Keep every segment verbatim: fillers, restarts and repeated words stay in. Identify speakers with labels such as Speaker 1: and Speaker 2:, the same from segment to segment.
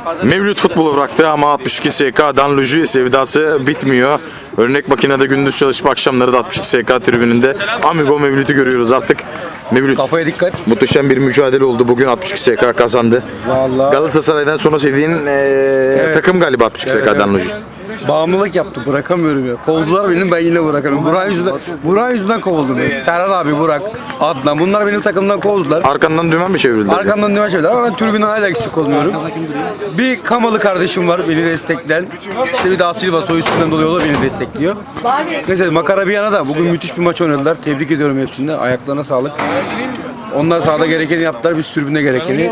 Speaker 1: Mevlüt futbolu bıraktı ama altmış iki S K Danluji sevdası bitmiyor. Örnek makinede gündüz çalışıp akşamları da altmış iki S K tribününde Amigo Mevlüt'ü görüyoruz artık. Mevlüt,
Speaker 2: kafaya dikkat.
Speaker 1: muhteşem bir mücadele oldu. Bugün altmış iki S K kazandı.
Speaker 2: Vallahi.
Speaker 1: Galatasaray'dan sonra sevdiğin ee, evet. takım galiba altmış iki
Speaker 2: Evet,
Speaker 1: S K
Speaker 2: evet.
Speaker 1: Danluji.
Speaker 2: Bağımlılık yaptı, bırakamıyorum ya. Kovdular beni, ben yine bırakamıyorum. Burak yüzünden, Burak yüzünden kovuldum. Ya. Serhat abi, Burak, Adnan, bunlar benim takımdan kovdular.
Speaker 1: Arkandan dümen mi çevirdiler?
Speaker 2: Arkamdan dümen çevirdiler ama ben tribünden hala eksik olmuyorum. Bir Kamalı kardeşim var beni destekleyen. İşte bir daha Silva soy üstünden dolayı o da beni destekliyor. Neyse makara bir yana da bugün müthiş bir maç oynadılar. Tebrik ediyorum hepsini. Ayaklarına sağlık. Onlar sahada gerekeni yaptılar, biz tribünde gerekeni.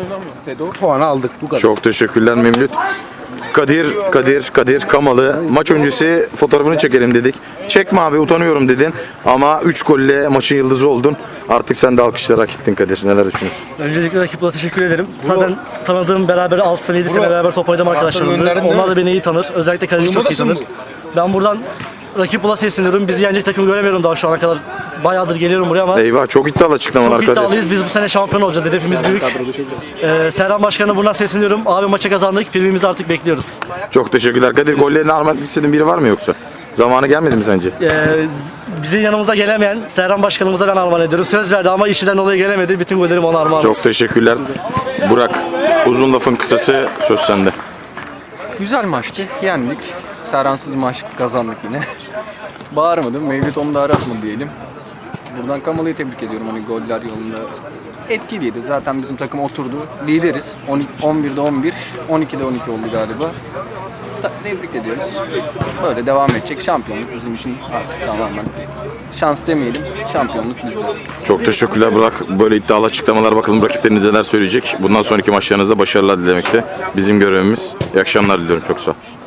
Speaker 2: Puanı aldık bu kadar.
Speaker 1: Çok teşekkürler Mevlüt. Kadir, Kadir, Kadir Kamalı maç öncesi fotoğrafını çekelim dedik. Çekme abi, utanıyorum dedin ama üç golle maçın yıldızı oldun. Artık sen de alkışlara hak ettin Kadir. Neler düşünüyorsun?
Speaker 3: Öncelikle rakiplara teşekkür ederim. Zaten tanıdığım, beraber altı sene yedi sene beraber top oynadım arkadaşlarımdı. Onlar da beni iyi tanır. Özellikle kaleci çok iyi tanır. Ben buradan rakip bula sesleniyorum. Bizi yenecek takım göremiyorum daha şu ana kadar. Bayağıdır geliyorum buraya ama
Speaker 1: Eyvah, çok iddialı açıklamalar
Speaker 3: çok
Speaker 1: Kadir.
Speaker 3: iddialıyız. Biz bu sene şampiyon olacağız. Hedefimiz büyük. Ee, Serhan Başkan'a buradan sesleniyorum. Abi maça kazandık. Primimizi artık bekliyoruz.
Speaker 1: Çok teşekkürler Kadir. Gollerini almak istediğin biri var mı yoksa? Zamanı gelmedi mi sence?
Speaker 3: Ee, bizim yanımıza gelemeyen Serhan Başkanımıza ben armağan ediyorum. Söz verdi ama işinden dolayı gelemedi. Bütün gollerimi ona armağan
Speaker 1: Çok
Speaker 3: olsun.
Speaker 1: teşekkürler. Burak, uzun lafın kısası söz sende.
Speaker 4: Güzel maçtı. Yendik. Serhansız maç kazandık yine. Bağırmadım. Mevlüt onu da aratmadı diyelim. Buradan Kamalı'yı tebrik ediyorum. Hani goller yolunda etkiliydi. Zaten bizim takım oturdu. Lideriz. on birde on bir, on ikide on iki oldu galiba. Ta- tebrik ediyoruz. Böyle devam edecek. Şampiyonluk bizim için artık tamamen. Şans demeyelim. Şampiyonluk bizde.
Speaker 1: Çok teşekkürler Burak. Böyle iddialı açıklamalar, bakalım rakipleriniz neler söyleyecek. Bundan sonraki maçlarınızda başarılar dilemekte bizim görevimiz. İyi akşamlar diliyorum. Çok sağ ol.